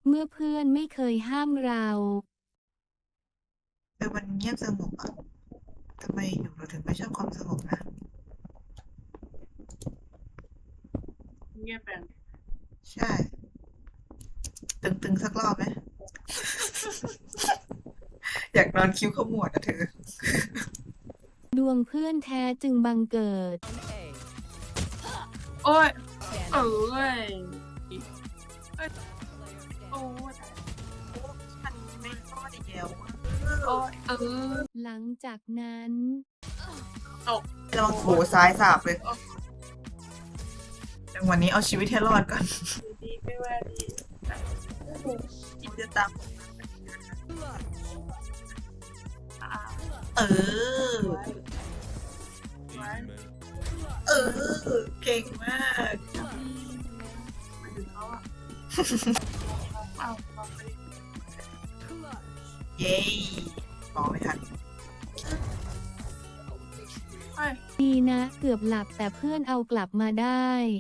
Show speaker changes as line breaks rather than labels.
เมื่อเพื่อนไม่เคยห้ามเรา
มันเงียบสงบอ่ะทำไมอยู่เราถึงไม่ชอบความสงบนะ
เงียบแบบ
ใช่ ตึงๆสักรอบไหม อยากนอนคิ้วขมวดอ่ะเธอ
ดวงเพื่อนแท้จึงบังเกิด
โอ้ยเอ้ยโอ้ย
ฉันไม่รอดอีกแล้วอะ
โอ้ย
หลังจากนั้น
ตก
ระวังโผซ้ายสาบเลยจังหวะนี้เอาชีวิตให้รอดก่อน
ดีไม่ว่าดีกินจะตาม
เออ
ไว้
เออ เก่งมาก
มาถึงเขาอ่ะเอาไป
เย้บอกไม่ทัน
ไป
ดีนะเกือบหลับแต่เพื่อนเอากลับมาได้